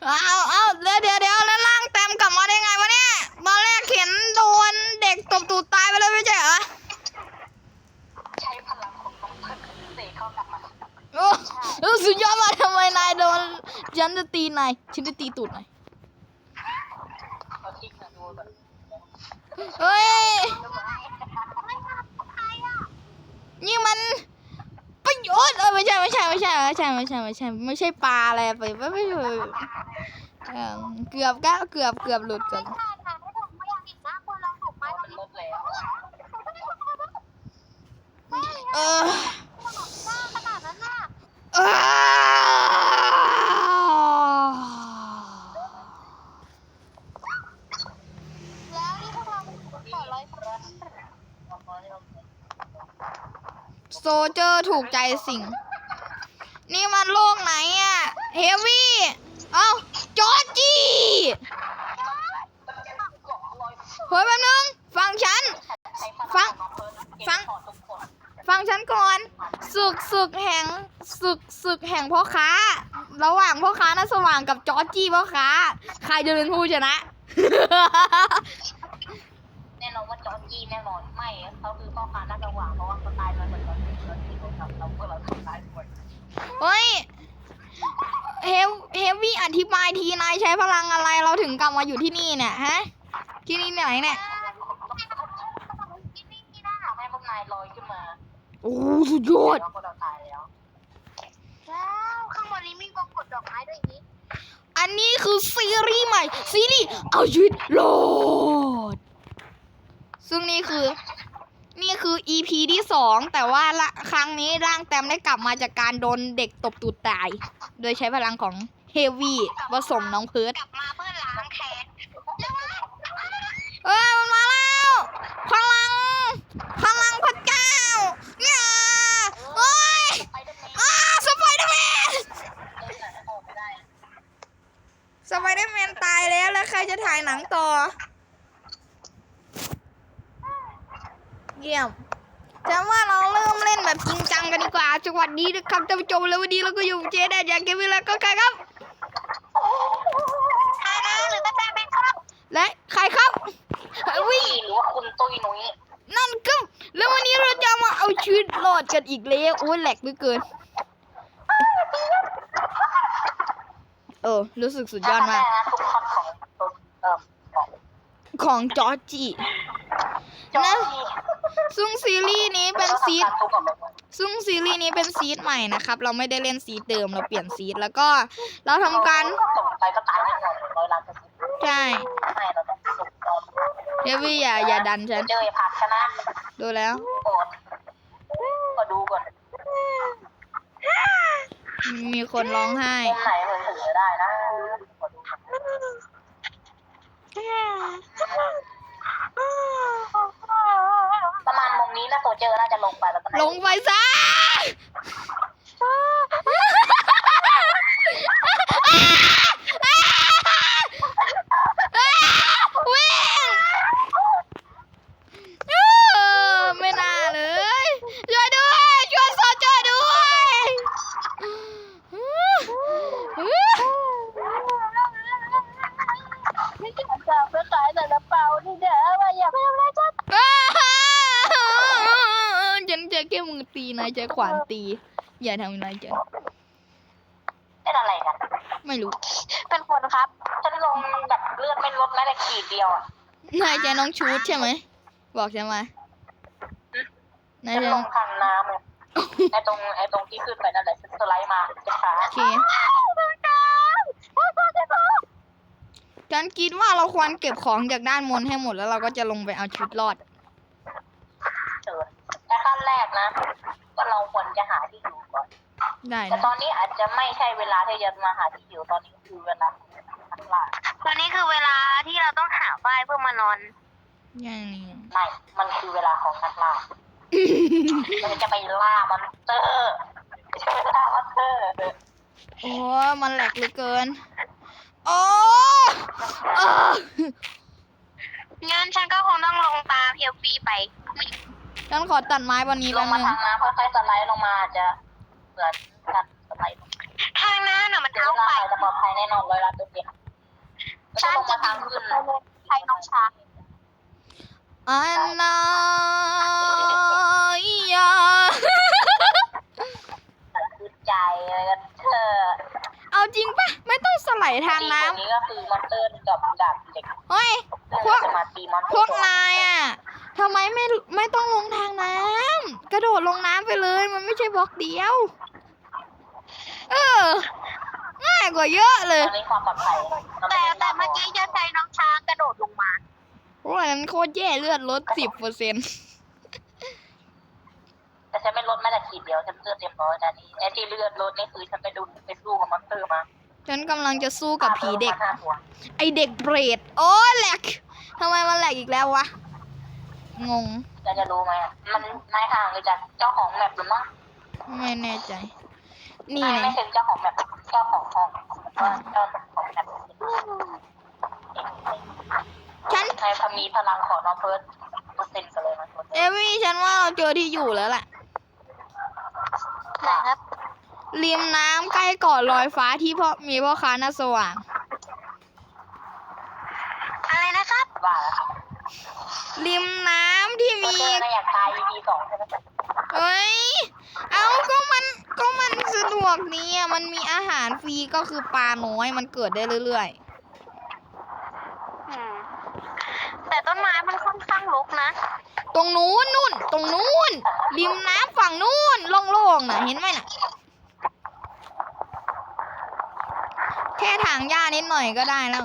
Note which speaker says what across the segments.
Speaker 1: เอาเดี๋ยวแล้วร่างเต็มกลับมาได้ไงวะเนี่ยตอนแรกเห็นโดนเด็กตบตูดตายไปเลยไม่ใช่เหรอ
Speaker 2: ใช้พลังของน้องเพิร์ดเสกเข้ากลับมา
Speaker 1: โอ้สุดยอดมากทำไมนายโดนฉันจะตีนายฉันจะตีตูดนาย
Speaker 2: เอาทิ้งนะดูแบบ
Speaker 1: เฮ้ยนี่มันประโยชน์ไม่ใช่ปลาอะไรไปไม่ใช่เกือบหลุดกันโซเจอร์ถูกใจสิ่งนี่มันโลกไหนอะเฮฟวี่เอ้าจอร์จี้เฮ้ยแป๊บนึงฟังฉันก่อนศึกแห่งพ่อค้าระหว่างพ่อค้าน่าสว่างกับจอร์จี้พ่อค้าใครจะเป็นผู้ชนะ
Speaker 2: แน่นอนว่าจอร์จี้แน่นอนไม่เขาคือพ่อค้าน่าจะหวังเพราะว่าเขาตายมาเหมือนกันที่เราทำเราก็เราทำตายหมด
Speaker 1: เฮ้ยเฮฟวี่อธิบายทีนายใช้พลังอะไรเราถึงกลับมาอยู่ที่นี่เนี่ยฮะที่นี่ไหนเนี่ย
Speaker 2: ที่นี่น่าให้พวกนายลอยขึ้นมา
Speaker 1: โอ้สุดยอด
Speaker 2: แล้วเราตายแล้วข้างบนนี้มีกองกดดอกไม้ด้วยนี้
Speaker 1: อันนี้คือซีรีส์ใหม่ซีรีส์เอาชีวิตรอดซึ่งนี่คือ EP ที่2แต่ว่าครั้งนี้ร่างแต้มได้กลับมาจากการโดนเด็กตบตูดตายโดยใช้พลังของเฮฟวี่ผสมน้องเพิร์ด
Speaker 2: กลับมาเพื่อล้างแค้น
Speaker 1: มันมาแล้วพลังพระเจ้าเนี่ยโอ้ยสไปเดอร์แมนตายแล้วใครจะถ่ายหนังต่อเยี่ยมฉันว่าเราเริ่มเล่นแบบจริงจังกันดีกว่าสวัสดีนะครับท่านผู้ชมแล้ววันนี้เราก็อยู่เจได้จากเกมวิลล์ก็ใครครับ
Speaker 2: หรือแต่เป็นครับ
Speaker 1: และใครครับ
Speaker 2: วิ่งหรือว่าคุณตุ้ยนุ้ย
Speaker 1: นั่นก็แล้ววันนี้เราจะมาเอาชีวิตรอดกันอีกแล้วโอ้ยแหลกเหลือเกินรู้สึกสุดยอดมากของจอร์จี้นะซึ่งซีรีส์นี้เป็นซีดใหม่นะครับเราไม่ได้เล่นซีดเดิมเราเปลี่ยนซีดแล้วก็เราทำการใช่เฮฟวี่อย่าดันฉันดูแล้ว
Speaker 2: ก็ดูก่อน
Speaker 1: มีคนร้องไห้
Speaker 2: มุมไหนมันถึงจะได้นะประมาณมุมนี้นะโซเจอร์น่าจะลงไปแล้ว
Speaker 1: ลงไปซะไม่น่าเลยช่วยด้วยช่วยโซเจอร์ด้วย
Speaker 2: จะไปขายแต่ละเปานี่เด้อว่าอย่าไปทำอะไรฉัน
Speaker 1: ฉันจะแค่มือตีนายจะขวานตีอย่าทำนายจะ
Speaker 2: เป็นอะไรกัน
Speaker 1: ไม่รู้
Speaker 2: เป็นคนครับฉันลงแบบเลือดไม่ลดแม้แต่ขีดเดียวอ่ะ
Speaker 1: นายจะน้องชูดใช่ไหมบอกฉันมานายจะ
Speaker 2: ลงคันน้ำเลยไอตรงที่ขึ้นไปนั่นแหละสไลด์มาจะช้า
Speaker 1: โอเคฉันคิดว่าเราควรเก็บของจากด้านบนให้หมดแล้วเราก็จะลงไปเอาชีวิตรอด
Speaker 2: แต่ขั้นแรกนะก็เราควรจะหาที่อยู่ก่อน
Speaker 1: ได้
Speaker 2: แต่ตอนนี้อาจจะไม่ใช่เวลาที่จะมาหาที่อยู่ตอนนี้คือเวลาทักล่าตอนนี้คือเวลาที่เราต้องหาบ้านเพื่อมานอน
Speaker 1: อย่างนี้
Speaker 2: ไม่มันคือเวลาของนักล่าเราจะไปล่ามอนสเตอร์
Speaker 1: โอ้มันแหลกเหลือเกินโอ้
Speaker 2: งั้นฉันก็คงต้องลงตามเฮลฟี่ไป
Speaker 1: ฉันขอตัดไม้วันนี้
Speaker 2: ลงมาทางน้ำค่อยๆสไลด์ลงมาจะเหมือนกันสไลด์ทางน้ำน่ะมันเท้าไปจะปลอดภัยแน่นอน100%เ
Speaker 1: อันนายา
Speaker 2: คือใจเลยกันเธอ
Speaker 1: เอาจริงปะไม่ต้องสไลด์ทาง
Speaker 2: ตี
Speaker 1: น้
Speaker 2: คนนี้ก็คือมอนเตอร์กับดาบเหล็ก
Speaker 1: ำเฮ้ย
Speaker 2: พวกจะมาตีมอนเตอร์
Speaker 1: พวกนายอ่ะทำไมไม่ต้องลงทางน้ำกระโดดลงน้ำไปเลยมันไม่ใช่บล็อกเดียว เออ ง่ายกว่าเยอะเลย
Speaker 2: ตอนนี้ความปลอดภัยแต่เมื่อกี้จะใช้น้องช้างกระโดดลงมา
Speaker 1: โอ้ยนั้นโคตรแย่เลือดลด10%
Speaker 2: แต่ฉันไม่ลดแม้แต่ขีดเดียวฉันเลือดเต็มร้อยนะนี่ไอ้ที่เลือดลดนี่คือฉันไปสู้กับมอนเตอร์มา
Speaker 1: ฉันกำลังจะสู้กับผีเด็ก
Speaker 2: 5 ตัว
Speaker 1: ไอเด็กเบรด โอ้แหลกทำไมมันแหลกอีกแล้ววะ งง
Speaker 2: จะรู้ไหมมันนายห่างเลยจากเจ้าของแมปหรือมั้ง
Speaker 1: ไม่แน่ใจ นี่
Speaker 2: ไม่
Speaker 1: นะ
Speaker 2: ถึงเจ้าของแมปเจ้าของห้องเจ้าของแมป
Speaker 1: ฉัน
Speaker 2: นายพมีพลังของน้องเพิร์ด%กันเลยนะ
Speaker 1: เอวี่ฉันว่าเราเจอที่อยู่แล้วแหละ
Speaker 2: ไหนครับ
Speaker 1: ริมน้ำใกล้เกาะลอยฟ้าที่มีพ่อค้าหน้าสว่าง
Speaker 2: อะไรนะครับว่า
Speaker 1: ริมน้ำที่มี
Speaker 2: นายอยากตาย EP 2ใช่ไหม
Speaker 1: เฮ้ย เอาก็มันสะดวกนี่อ่ะมันมีอาหารฟรีก็คือปลาน้อยมันเกิดได้เรื่อย
Speaker 2: แต่ต้นไม้มันค่อนข้างรกนะ
Speaker 1: ๆ ตรงนู้นนู่น ตรงนู้น ริมน้ำฝั่งนู้นโล่งๆน่ะ เห็นไหมน่ะ แค่ถางหญ้านิดหน่อยก็ได้แล้ว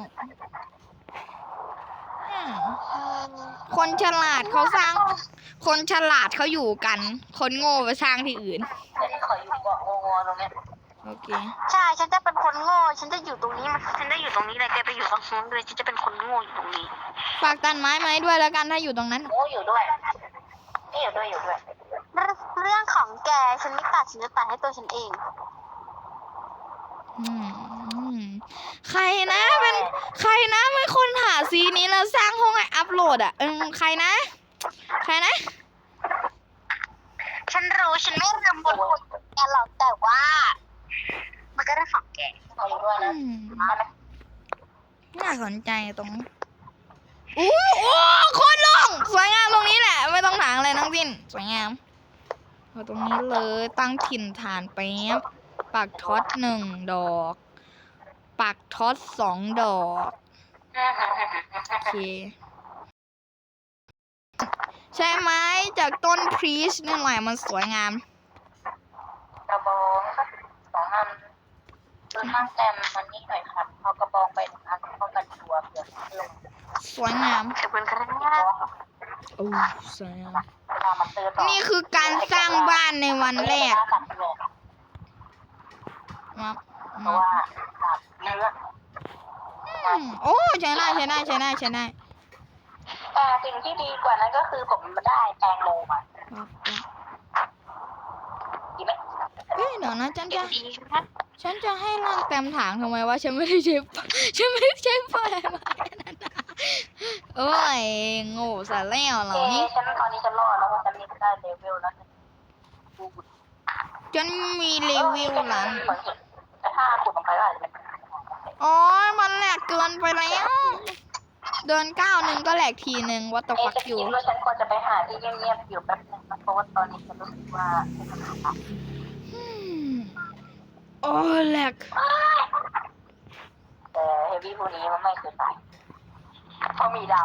Speaker 1: อืมคนฉลาดเขาสร้าง คนฉลาดเขาอยู่กัน คนโง่ไปสร้างที่อื่น
Speaker 2: ฉันขออยู่เกาะงอตรงเนี้ย
Speaker 1: โอเค
Speaker 2: ใช่ ฉันจะเป็นคนโง่ ฉันจะอยู่ตรงนี้ฉันจะอยู่ตรงนี้เลยแกไปอยู่ตรงนู้นด้วยฉันจะเป็นคนโง่อยู่ตรงนี้
Speaker 1: ฝากตัดไม้ไหมด้วยแล้วกันถ้าอยู่ตรงนั้น
Speaker 2: โง่อยู่ด้วยนี่อยู่ด้วยเรื่องของแกฉันไม่ตัดฉันจะตัดให้ตัวฉันเอง
Speaker 1: อืมใครนะเป็นคนหาซีนี้แล้วสร้างห้องให้อัพโหลดอ่ะใครนะ
Speaker 2: ฉันรู้ฉันไม่รำบนคนแกหรอกแต่ว่า มันก็ได้ของแกเอาอยู่ด้วย
Speaker 1: อื
Speaker 2: นะ
Speaker 1: มน่าสนใจตรงโอ้โคตรโล่งสวยงามตรงนี้แหละ ไม่ต้องถางอะไรทั้งสิ้นสวยงามเอาตรงนี้เลยตั้งถิ่นฐานแป๊บปักท็อต1 ดอกปักท็อต2 ดอกโอเคใช่ไหมจากต้นพรีชนี่แหละมันสวยงาม
Speaker 2: กระบองสัก2 อันคือข้างแต้มมันนี่หน่อยครับเอากระบองไป1 อันป้องกันตัวเผื่อเรื่อง
Speaker 1: สวยงาม
Speaker 2: ขอบคุณครับ
Speaker 1: โอ้สวยงาม
Speaker 2: เวลามันเตือนต่อ
Speaker 1: นี่คือการสร้างบ้านในวันแรก มา
Speaker 2: เพราะว่าขาดเนื้อ
Speaker 1: โอ้ใช้ได้
Speaker 2: แต่สิ่งที่ดีกว่านั้นก็คือผมได้แตงโมมาดีไหม
Speaker 1: เฮ้ยเดี๋ยวนะฉัน
Speaker 2: ดีครับ
Speaker 1: จะให้ร่างเต็มถางทำไมวะฉันไม่ได้ใช้ ไฟมาโอ้ยโง่ซะแล้วเหรอนี่
Speaker 2: ฉันตอนนี้ฉันรอดแล้วเพราะฉันนี่ได้เลเวลแล้ว
Speaker 1: ฉันมีรีวิวร้าน
Speaker 2: แต่ถ้าขุดลงไปก็อาจจะเป็น
Speaker 1: อ๋อมันแหลกเกินไปแล้ว เดิน1 ก็แหลกทีนึงวัตถุฟัก
Speaker 2: จะ
Speaker 1: อยู่
Speaker 2: คิดว่าฉันควรจะไปหาที่เงียบๆอยู่แป๊บนึงนะเพราะว่าตอนนี้ฉันรู้สึกว่า
Speaker 1: โอ้แหลก
Speaker 2: แต่เฮฟวี่พวกนี้มันไม่เคยตายเพราะมีดาว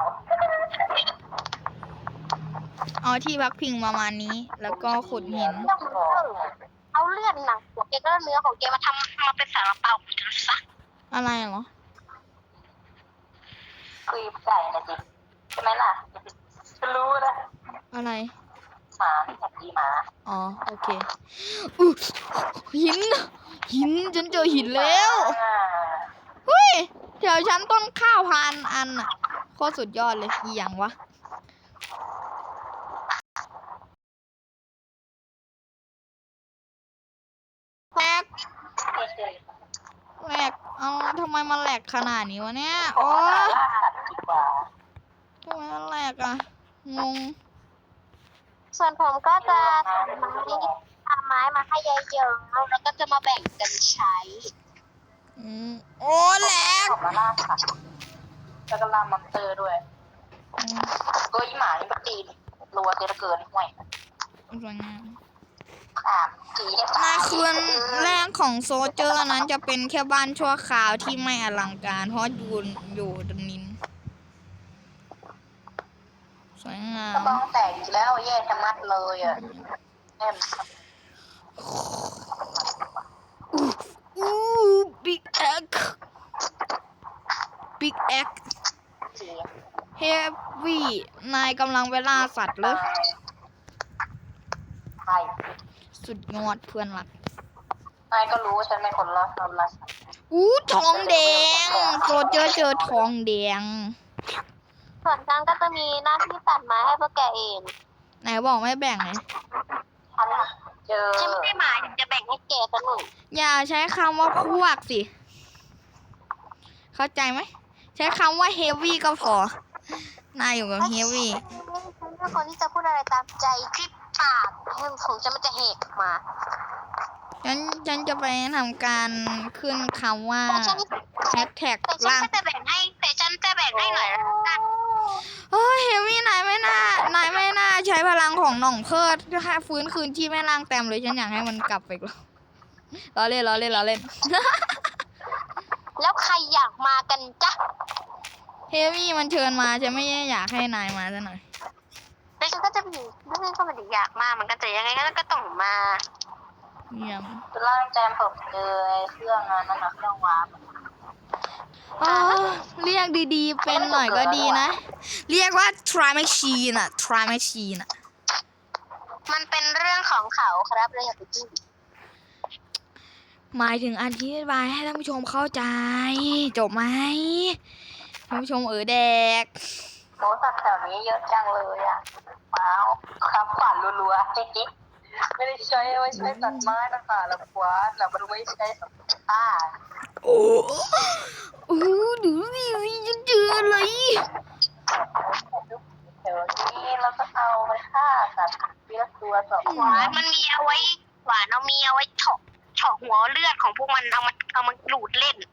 Speaker 1: เอาที่พักพิงประมาณนี้ แล้วก็ขุดหิน
Speaker 2: เอาเลือดหนังหัวแกก็เนื้อของแกมาทำมาเป็นสาลาเปาของฉันซะ
Speaker 1: อะไรเหรอ
Speaker 2: คุยไก่นะจิใช่ไหมล่ะฉันรู้นะ
Speaker 1: อะไร
Speaker 2: หมาที่แท็กซี่หมา
Speaker 1: อ๋อ โอเคอุ๊ยหิน ฉันเจอหินแล้ว เฮ้ยแถวฉันต้นข้าว1,000 อันอ่ะโคตรสุดยอดเลยอีหยังวะแหลกเอาทำไมมันแหลกขนาดนี้วะเนี่ย โอ้
Speaker 2: ล่าสัตว์ดีกว่า
Speaker 1: ทำไมมันแหลกอ่ะ งง
Speaker 2: ส่วนผมก็จะทำไม้มาให้เยอะๆแล้วก็จะมาแบ่งกันใช้
Speaker 1: โอ้แหลก
Speaker 2: ออกมาล่าสัตว์แล้วก็ล่ามอนเตอร์ด้วย
Speaker 1: อืม
Speaker 2: ก็อีหมานี่ปตีนรัวเกินเกินห่วย
Speaker 1: สวยงาม
Speaker 2: ขาดจีให้
Speaker 1: ใน
Speaker 2: ตาย
Speaker 1: คืนแรกของโซเจอร์นั้นจะเป็นแค่บ้านชั่วคราวที่ไม่อลังการ เพราะอยู่ตรงนี้สวยงาก
Speaker 2: ระ
Speaker 1: ม
Speaker 2: บองแตกอีกแล้วแย่ชะมัดเลยอ่ะแอม
Speaker 1: อู้บิ๊กแอคบิ๊กแอค
Speaker 2: จี
Speaker 1: เฮฟวี่นายกำลังเวลาสัตว์เลย
Speaker 2: ใช่
Speaker 1: สุดยอดเพื่อนรัก
Speaker 2: นายก็รู้ฉันเป็นคนละคนละ
Speaker 1: อู้ทองแดงโซเจอร์เจอทองแดง
Speaker 3: ส่วนฉันก็จะมีหน้าที่ตัดไม้ให้พวกแกเอง
Speaker 1: ไหนบอกไม่แบ่งเลย
Speaker 2: ฉันเจอ
Speaker 3: ฉันไม่ได้หมายถึงจะแบ่งให้แกซะหน่อย
Speaker 1: อย่าใช้คำว่าพวกสิ เข้าใจไหม ใช้คำว่าเฮฟวี่ก็พอ นายอยู่กับเฮฟวี่
Speaker 3: ฉันเป็นคนที่จะพูดอะไรตามใจที่ปากของฉันมันจะแหกออกมา
Speaker 1: ฉันจะไปทำการขึ้นคำว่า
Speaker 3: แต่ฉัน
Speaker 1: แฮชแท็ก
Speaker 3: แต่ฉัน
Speaker 1: ล่าง
Speaker 3: ก็จะแบ่งให้แต่ฉันจะแบ่งให้หน่อยละกัน
Speaker 1: โอ้ยเฮฟวี่นายไม่น่าใช้พลังของหน่องเพิดให้ฟื้นคืนที่แม่ล่างเต็มเลยฉันอยากให้มันกลับไปอีกล้อเล่น
Speaker 3: แล้วใครอยากมากันจ๊ะ
Speaker 1: เฮฟวี่มันเชิญมาฉันไม่อยากให้นายมาซะหน่อย
Speaker 3: แล้วฉันก็จะมีเรื่องก็ไมันอยากมามันก็จะยังไงก็ต้องมา
Speaker 1: เยี่ยม
Speaker 2: คือร่างแจมผมเจอเครื่องงานนั่นนะเครื่องวาร์ป
Speaker 1: อ๋อเรียกดีๆ เป็นหน่อยก็ดีนะ เรียกว่า try machine อะ try machine อะ
Speaker 3: มันเป็นเรื่องของเขาครับเลยอย่าไปจิ้ม
Speaker 1: หมายถึงอธิบายให้ท่านผู้ชมเข้าใจ จบไหมท่านผู้ชมแดก
Speaker 2: โมสัตว์แถวนี้เยอะจังเลยอ่ะว้าวครับขวานรัวๆจิ๊กไม่ได้ใช้ไว้ใช้ตัดไม้นะคะแล้วขวานแล้วมันไม่ใช้สำหรับฆ่า
Speaker 1: โอ้ดูสิจะเจออะไร
Speaker 2: เดี๋ยวนี้เราก็เอาไปฆ่าสัตว์ทีละตัวสอง
Speaker 3: หวานมันมีเอาไว้หวานเอามีเอาไว้เฉาะหัวเลือดของพวกมันเอามาดูดเล่น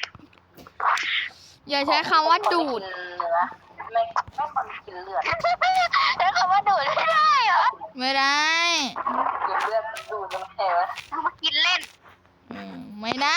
Speaker 1: อย่าใช้คำว่าดูด
Speaker 2: เนื้อไม่คนกินเลือด
Speaker 3: แล้วคำว่าดูดไม่ได้เหรอ
Speaker 1: ไม่ได้
Speaker 2: กินเลือดดูดมันแข็ง
Speaker 3: เอามากินเล่น
Speaker 1: ไม่ได้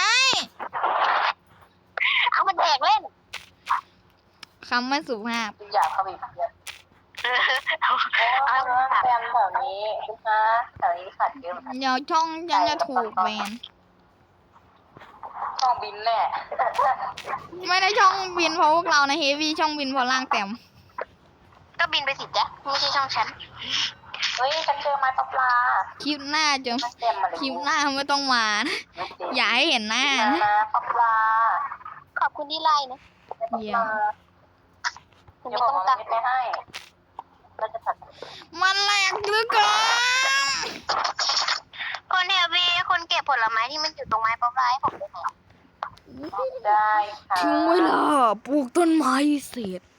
Speaker 3: เอามาแดกเล่น
Speaker 1: คำไม่สุภาพ
Speaker 2: ทุกอย่างเขาบีบเยอะ
Speaker 3: เอา
Speaker 2: โอ้
Speaker 3: เอา
Speaker 2: ยแฟนแถวนี้คุณฮะแถวนี้สัตว์เยอะเหมือนกัน
Speaker 1: เดี๋ยวช่องฉันจะถูกแบน
Speaker 2: ช่องบินแน่
Speaker 1: ไม่ได้ช่องบินเพราะพวกเรานะเฮฟวี่ช่องบินเพราะล่างเต็ม
Speaker 3: ก็บินไปสิจ๊ะไม่ใช่ช่องฉัน
Speaker 2: เฮ้ยฉันเจอไม้ปลา
Speaker 1: คลิปหน้าจะ
Speaker 2: มันเต็มมาเลย
Speaker 1: คลิปหน้าไม่ต้องมานะอย่าให้เห็นหน้านะ
Speaker 2: ปลา
Speaker 3: ขอบคุณที่ไล่นะ
Speaker 1: เยี่ยม
Speaker 3: คุณ
Speaker 2: เดี๋ยว
Speaker 3: ไม่
Speaker 2: ผม
Speaker 3: ต้อง
Speaker 2: เอา
Speaker 3: ตัด
Speaker 2: ไปให้เราจะตัด
Speaker 1: มันแหลกเหลือเกิน
Speaker 3: คนเฮลวีคนเก็บผลไม้ที่มันอยู่ตรงไม้ป๊อปไลท์ผมด้วยนะ
Speaker 2: ได้ค่ะ
Speaker 1: ถึงเวลาปลูกต้นไม้เสร็จ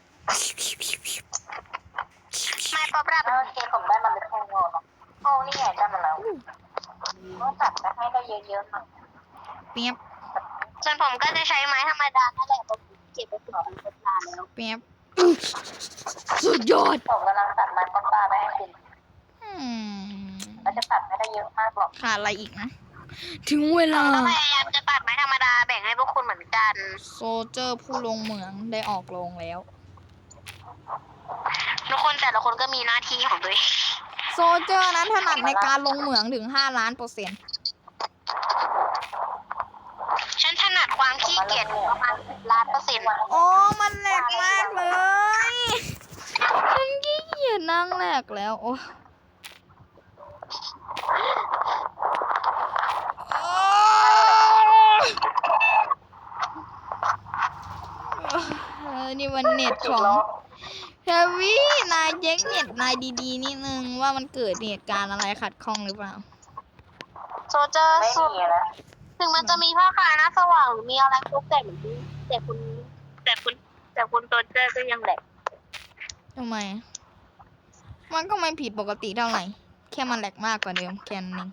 Speaker 3: ไม้ป๊อปไลท์
Speaker 2: โอเคผมได้มันเป็นแท่งงอเนาะโอ้นี่ไงได้มาแล้วต้องตัดไปให้ได้เยอะๆหน่อย
Speaker 1: เปียบ
Speaker 3: ส่วนผมก็จะใช้ไม้ธรรมดานั่นแหละผมเก็บไปถึงเป็นนานแล้ว
Speaker 1: เปียบสุดยอด
Speaker 2: ผมกำลังตัดไม้ปลาไปให้คุณ
Speaker 1: อืม
Speaker 2: เราจะตัดไม่ได้เยอะมากหรอก
Speaker 1: ขาดอะไรอีกนะ ถึงเว
Speaker 3: ผ
Speaker 1: ลา
Speaker 3: มก็พยายามจะตัดไม้ธรรมดาแบ่งให้พวกคุณเหมือนกัน
Speaker 1: โซเจอร์ผู้ลงเหมืองได้ออกโรงแล้ว
Speaker 3: ทุกคนแต่ละคนก็มีหน้าที่ของตัวเอง
Speaker 1: โซเจอร์นั้นถนัดในการลงเหมืองถึง5,000,000%
Speaker 3: ฉันถนัดความขี้เกียจประมาณ10,000,000%
Speaker 1: โอ้มันแหลกมากเลย ฉันขี้เกียจนั่งแหลกแล้วโอ้นี่มันเน็ตของเฮฟวี่นายเช็คเน็ตนายดีๆนิดนึงว่ามันเกิดเหตุการณ์อะไรขัดข้องหรือเปล่า
Speaker 3: โซเจอร์
Speaker 2: ไม่
Speaker 3: สุด
Speaker 2: มีนะ
Speaker 3: ถึงมันจะมีผ้าคาหน้าสว่างหรือมีอะไรพวกแต่เหมือนกันแต่คุณโซเจอร์ก็ยังแหลก
Speaker 1: ทำไม มันก็ไม่ผิดปกติเท่าไหร่ แค่มันแหลกมากกว่าเดิมแค่นั้นเอง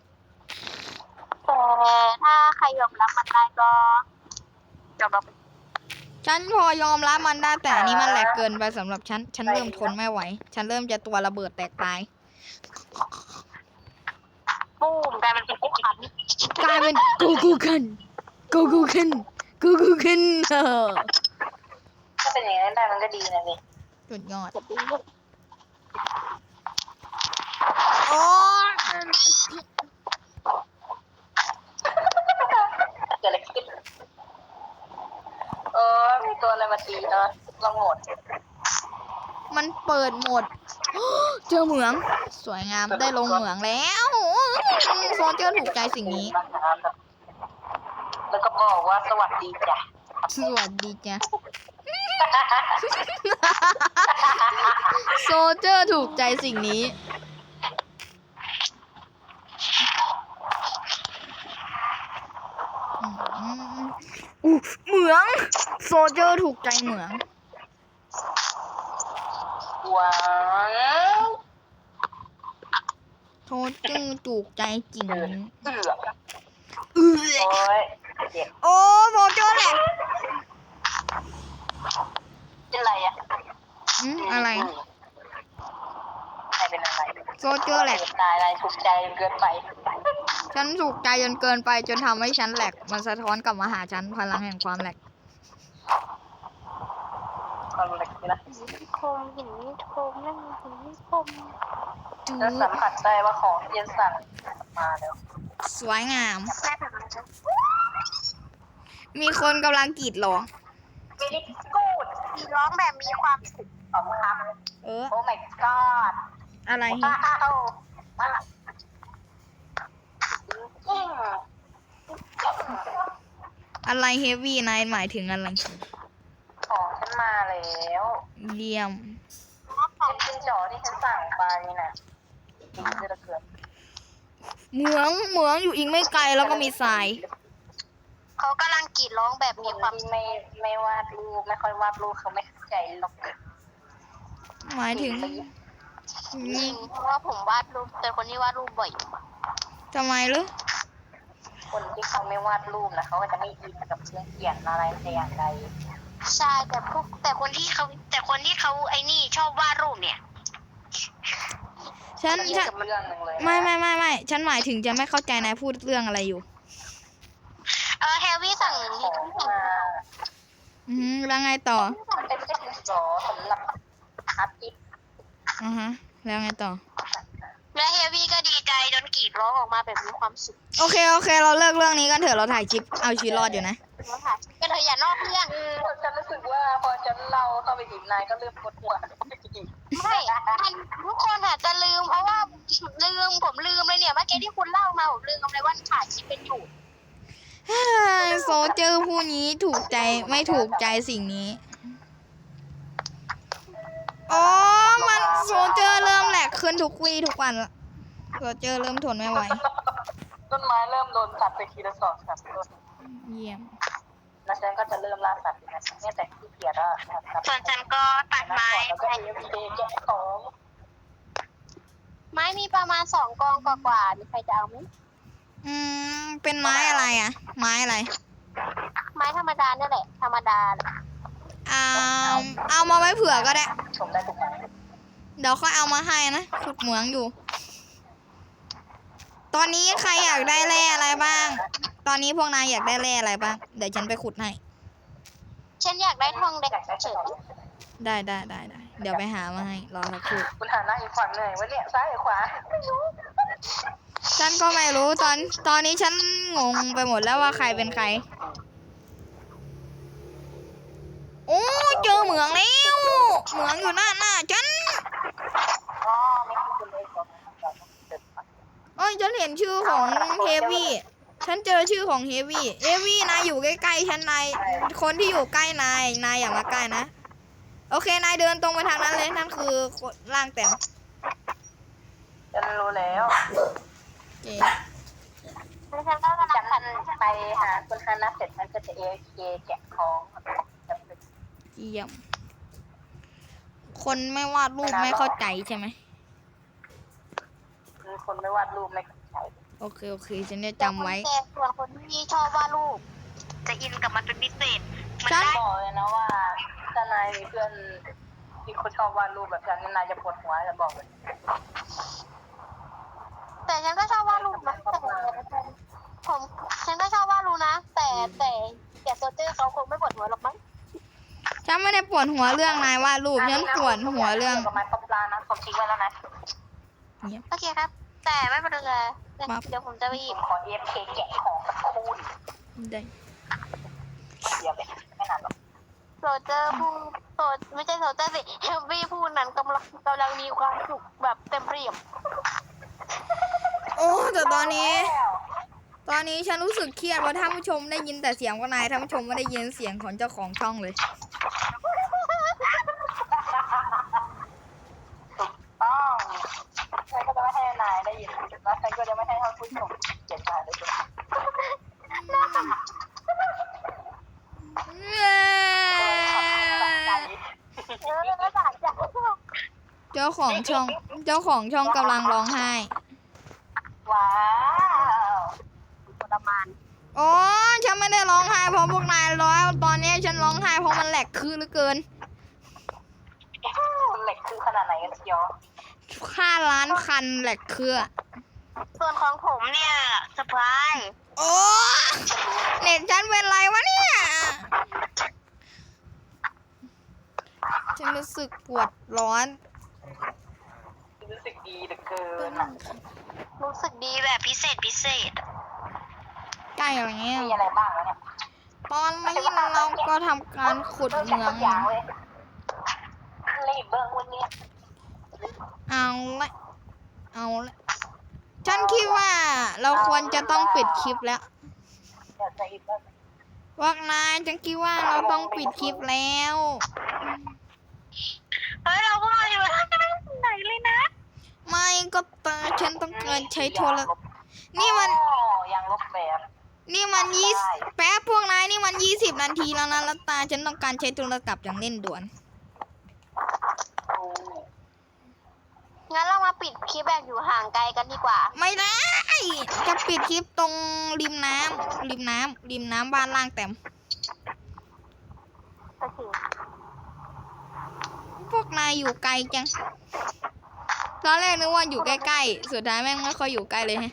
Speaker 3: แต่ถ้าใครยอมรับมันได้ก็ยอมรับ
Speaker 1: ฉันพอยอมรับมันได้แต่อันนี้มันแหลกเกินไปสำหรับฉัน ฉันเริ่มทนไม่ไหว ฉันเริ่มจะตัวระเบิดแตกตาย
Speaker 3: ปุ้มกลายเป็นปุ๊กขัน
Speaker 1: กลายเป็นกูคันกูคัน
Speaker 2: ถ้าเป็นอย่างนั้นได้มันก็ดีนะนี่
Speaker 1: สุดยอด
Speaker 3: จะดี
Speaker 1: โอ้ย
Speaker 2: เกิดอะไรขึ้นมีตัวอะไรมาตีเราหมด
Speaker 1: มันเปิดหมด เจอเหมือง สวยงามได้ลงเหมืองแล้วโซเจอร์ถูกใจสิ่งนี้
Speaker 2: แล้วก็บอกว่าสวัสดีจ้ะ
Speaker 1: สวัสดีจ้ะ โซเจอร์ถูกใจสิ่งนี้ เหมือง โซเจอร์ถูกใจเหมือง
Speaker 2: ว้าว
Speaker 1: โซเจอร์ถูกใจจริง
Speaker 2: เอือก
Speaker 1: เออ
Speaker 2: โอ้ยเจ็บ
Speaker 1: โอ้โซเจอร์แหละ
Speaker 2: เป็นไรอ่ะ
Speaker 1: อะไร
Speaker 2: ใครเป็นอะไร
Speaker 1: โซเจอร์แหลก
Speaker 2: นายถูกใจเกินไป
Speaker 1: ฉันถูกใจจนเกินไปจนทำให้ฉันแหลก มันสะท้อนกลับมาหาฉันพลังแห่งความแหลก
Speaker 2: ความเล็กนะ
Speaker 3: คมหินคมนั่นหินคม
Speaker 2: แล้วสัมผัสได้ว่าของที่จะสั่งมาแล้ว
Speaker 1: สวยงาม
Speaker 3: แม่แบบนั้น
Speaker 1: มีคนกำลังกรีดร้อง
Speaker 2: มินิกูด
Speaker 3: มีร้องแบบมีความสุข
Speaker 2: ขอบคุณครับ
Speaker 1: เออ
Speaker 2: โอ้ my god
Speaker 1: อะไร
Speaker 2: ว้าวมาจริง
Speaker 1: อะไรเฮฟวี่นายหมายถึงอะไร
Speaker 2: ของฉันมาแล้ว
Speaker 1: เยี่ยม
Speaker 2: เป็นจินจอที่ฉันสั่งไปน่ะดีเหลือเกิน
Speaker 1: เหมืองอยู่อีกไม่ไกลแล้วก็มีทราย
Speaker 3: เขากำลังกรีดร้องแบบ
Speaker 2: ค
Speaker 3: มี
Speaker 2: น
Speaker 3: ความ
Speaker 2: ที่ไม่วาดรูปไม่ค่อยวาดรูปเขาไม่เข้าใจหรอก
Speaker 1: หมายถึง
Speaker 3: จริงเพราะว่าผมวาดรูปเป็นคนที่วาดรูปบ่อย
Speaker 1: ทำไมหรือ
Speaker 2: คนที่เขาไม่วาดรูปนะเขาก็จะไม่อินกับเครื่องเขียนอะไรแต่อย่างใด
Speaker 3: ใช่แต่คนที่เขาไอ้นี่ชอบวาดรูปเนี่ย
Speaker 1: ฉัน
Speaker 2: มัน
Speaker 1: ฉัน
Speaker 2: กับเรื่องหนึ่งเลยนะ
Speaker 1: ไม่ฉันหมายถึงจะไม่เข้าใจนายพูดเรื่องอะไรอยู่
Speaker 3: เฮลวี่สั่ง
Speaker 2: ของมา
Speaker 1: แล้วไงต่อ
Speaker 2: มันเป็นแค่ดินสอสำหรับอาร์ติสต์
Speaker 1: แล้วไงต่อ
Speaker 3: และเฮลวี่ก็ดีใจจนกรีดร้องออกมาแบบมีความสุข
Speaker 1: โอเค เราเลิกเรื่องนี้กันเถอะเราถ่ายคลิปเอาชีวิตรอดอยู่นะ
Speaker 3: แล้วค่ะก็เลยอย่านอกเรื่อง
Speaker 2: ฉันรู้สึกว่าพอฉันเล่าเข้าไปอีกนายก็เริ่มปวดหัว
Speaker 3: ไม่ทุกคนอาจจะลืมเพราะว่าผมลืมเลยเนี่ยเมื่อกี้ที่คุณเล่ามาผมลืมเลยว่าถ่ายคลิปเป็นอยู่
Speaker 1: โซเจอร์ผู้นี้ถูกใจไม่ถูกใจสิ่งนี้อ๋อมันโซเจอร์เริ่มแหลกขึ้นทุกวี่ทุกวันละโซเจอร์เริ่มทนไม่ไหว
Speaker 2: ต้นไม้เริ่มโดนตัดไปทีละ2-3ต้น
Speaker 1: เยี่ยม
Speaker 2: แล้วฉันก็จะเริ่มล่าสัตว์นะเนี่ยแต่ขี้เกียจอ่ะ
Speaker 3: ส่วนฉันก็ตัดไม้
Speaker 2: แล้วก็มีเแกะของ
Speaker 3: ไม้มีประมาณ2 กองกว่าๆมีใครจะเอาไหม
Speaker 1: เป็นไม้อะไรอ่ะ ไม้อะไร
Speaker 3: ไม้ธรรมดาเนี่ยแหละธรรมดา
Speaker 1: เอามาไว้เผื่อก็ได้
Speaker 2: ชมได้ทุกอย่าง
Speaker 1: เดี๋ยวค่อยเอามาให้นะขุดเหมืองอยู่ ตอนนี้ใครอยากได้แร่อะไรบ้าง ตอนนี้พวกนายอยากได้แร่อะไรบ้าง เดี๋ยวฉันไปขุดให้
Speaker 3: ฉันอยากได้ทองแดงเฉย
Speaker 1: ได้ เดี๋ยวไปหามาให้ รอสักครู่
Speaker 2: คุณหาหน้าอีกฝั่งหน่อยวะเนี่ยซ้ายหรือขวาไม่รู้
Speaker 1: ฉันก็ไม่รู้ตอนนี้ฉันงงไปหมดแล้วว่าใครเป็นใคร โอ้เจอเหมืองแล้ว เหมืองอยู่หน้าฉัน
Speaker 2: อ๋อไม่คือคุณเลยก่อน
Speaker 1: โอ้ยฉันเห็นชื่อของเฮฟวี่ ฉันเจอชื่อของเฮฟวี่ เฮฟวี่นายอยู่ใกล้ๆฉันนาย คนที่อยู่ใกล้นายอย่ามาใกล้นะ โอเคนายเดินตรงไปทางนั้นเลย นั่นคือร่างแต้ม
Speaker 2: ฉันรู้แล้ว
Speaker 1: โอเค
Speaker 3: ๆฉันก็กำลั
Speaker 2: ฉั
Speaker 3: ง
Speaker 2: นไปหาคุณฮานะเสร็จมันก็จะAFKแกะของจำเป็น
Speaker 1: เยี่ยม คนไม่วาดรูปไม่เข้าใจใช่ไหม
Speaker 2: มีคนไม่วาดรูปไม่เข้าใจ
Speaker 1: โอเค ฉันจะจำไว้
Speaker 3: ส่วนคนที่ชอบวาดรูปจะอินกับมันเป็นพิเศษมัน
Speaker 1: ฉัน
Speaker 3: ได้
Speaker 2: บอกเลยนะว่าถ้านายมีเพื่อนที่เขาชอบวาดรูปแบบฉันนี่นายจะปวดหัวจะบอกเลย
Speaker 3: แต่ฉันก็ชอบวาดรูปนะผมฉันก็ชอบวาดรูปนะ แต่โซเจอร์เขาคงไม่ปวดหัวหรอกมั้ง
Speaker 1: ฉันไม่ได้ปวดหัวเรื่องนายวาดรูปฉันปวดหัวเรื่อง
Speaker 2: กับไม้ป๊อปลานะผมทิ้งไว้แล้วนะ
Speaker 3: โอเคครับ แต่ไม่เป็นไรเดี๋ยวผมจะไปหยิ
Speaker 2: ผ
Speaker 3: บ
Speaker 2: มขอ EFK แกะของสักครู่
Speaker 1: ได้
Speaker 2: เดียวเลยไม่นานหรอก
Speaker 3: โซเจอร์พูดไม่ใช่โซเจอร์สิเฮลวี่พูดนั้นกำลังมีความสุขแบบเต็มเปี่ยม
Speaker 1: โอ้แต่ตอนนี้ฉันรู้สึกเครียดว่าท่านผู้ชมได้ยินแต่เสียงของนายท่านผู้ชมไม่ได้ยินเสียงของเจ้าของช่องเลย
Speaker 2: ต้องฉันก็จะไม่ให้นายได้ยินแล้วฉันก็จะไม่ให้ท่านผู้ชมเจ็บใจเลยด้วย
Speaker 3: แล้วบาดจาก
Speaker 1: เจ้าของช่องกำลังร้องไห้
Speaker 2: ว้าว
Speaker 3: ทรมาน
Speaker 1: โอ้ฉันไม่ได้ร้องไห้เพราะพวกนายร้อยตอนนี้ฉันร้องไห้เพราะมันแหลกคือเหลือเกิน
Speaker 2: เหล็กคือขนาดไหนกันเชียว
Speaker 1: 5 ล้านคันแหลกคือ
Speaker 3: ส่วนของผมเนี่ยสปาย
Speaker 1: โอ้เน็ตฉันเป็นไรวะเนี่ยฉันรู้สึกปวดร้อน
Speaker 2: รู้สึกดีเหลือเกิน
Speaker 3: รู้สึกดีแบบพิเศษ
Speaker 1: ใกล้อย่างเงี้ย
Speaker 2: มีอะไรบ้างแล้วเนี่ย
Speaker 1: ตอนนี้เราก็ทำการขุดเหมือง
Speaker 2: อย่างเลยรีบเบิ้งวันนี้
Speaker 1: เอาละฉันคิดว่าเราควรจะต้องปิดคลิปแล้ว
Speaker 2: เดี๋ยวจะรีบเบิ้ง
Speaker 1: พวกนายฉันคิดว่าเราต้องปิดคลิปแล้ว
Speaker 3: เฮ้ยเราพวกเราอยู่ไหนเลยนะ
Speaker 1: ไม่ก็ตาฉันต้องการใช้โทรศัพท์นี่มัน
Speaker 2: ยังลบแบบ
Speaker 1: แป๊บพวกนายนี่มัน20 นาทีแล้วนะแล้วตาฉันต้องการใช้โทรศัพท์อย่างเร่งด่วน
Speaker 3: งั้นเรามาปิดคลิปแบบอยู่ห่างไกลกันดีกว่า
Speaker 1: ไม่ได้ จะปิดคลิปตรงริมน้ำบ้านล่างแต้ม
Speaker 3: โอเค
Speaker 1: พวกนายอยู่ไกลจังตอนแรกนึกว่าอยู่ใกล้ๆสุดท้ายแม่งไม่ค่อยอยู่ใกล้เลยฮะ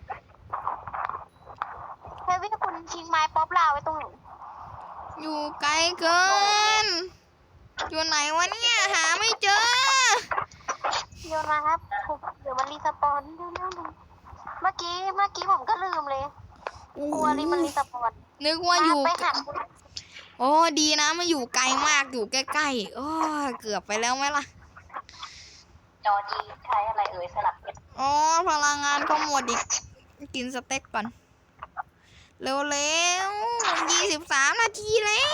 Speaker 3: เฮวี่คุณทิ้งไม้ป๊อปลาไว้ตรงไหน
Speaker 1: อยู่ไกลเกิน อยู่ไหนวะเนี่ยหาไม่เจอ
Speaker 3: โยนมาครับเดี๋ยวมันรีสปอนเร็วๆเมื่อกี้ผมก็ลืมเลยกลัวมันรีสปอน
Speaker 1: นึกว่าอยู่
Speaker 3: ไปหา
Speaker 1: โอ้ดีนะมันอยู่ไกลมากอยู่ใกล้ๆโอ้ยเกือบไปแล้วไหมล่ะ
Speaker 2: จอจีใช้อะไรสลับเพชร
Speaker 1: อ๋อพลังงานก็หมดอีกกินสเต็กก่อน เร็วๆ23 นาทีแล้ว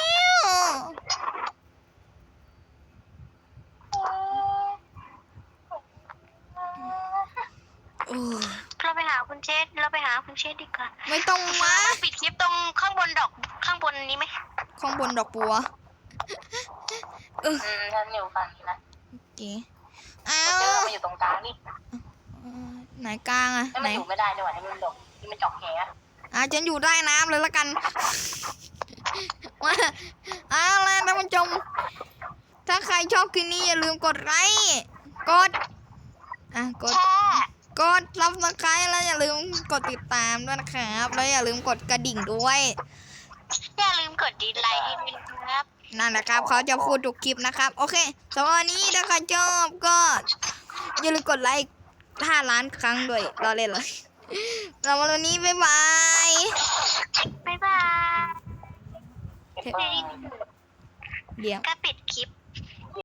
Speaker 1: โอ้ย
Speaker 3: เราไปหาคุณเชษดีกว่า
Speaker 1: ไม่ต้องมา
Speaker 3: ปิดคลิปตรงข้างบนนี้ไหม
Speaker 1: ข้างบนดอกบัว
Speaker 2: ฉันอยู่ฝั่งนี้นะ
Speaker 1: โอเคอ้า
Speaker 2: เจอ
Speaker 1: ว
Speaker 2: มาอยู่ตรงกลางนี่
Speaker 1: ไหนกลางอะ
Speaker 2: นี่
Speaker 1: ไหน
Speaker 2: มันอยู่ไม่ได้ด้วยนี่มันดอกนี่มันจอกแห
Speaker 1: ฉันอยู่ใต้น้ำเลยละกัน มาเอาล่ะท่านผู้ชม ถ้าใครชอบคลิปนี้อย่าลืมกดไลค์กดกด
Speaker 3: แช่
Speaker 1: กดซับสไครต์แล้วอย่าลืมกดติดตามด้วยนะครับแล้วอย่าลืมกดกระดิ่งด้วย
Speaker 3: อย่าลืมกดดีไลค์ด้วยนะครับ
Speaker 1: นั่นแหละครับเขาจะพูดทุกคลิปนะครับ โอเคสำหรับวันนี้ถ้าใครชอบก็อย่าลืมกดไลค์5 ล้านครั้งด้วยเราเล่นเลยสำหรับวันนี้บ๊ายบาย
Speaker 3: บ๊ายบาย
Speaker 1: เดี๋ยว
Speaker 3: ก็ปิด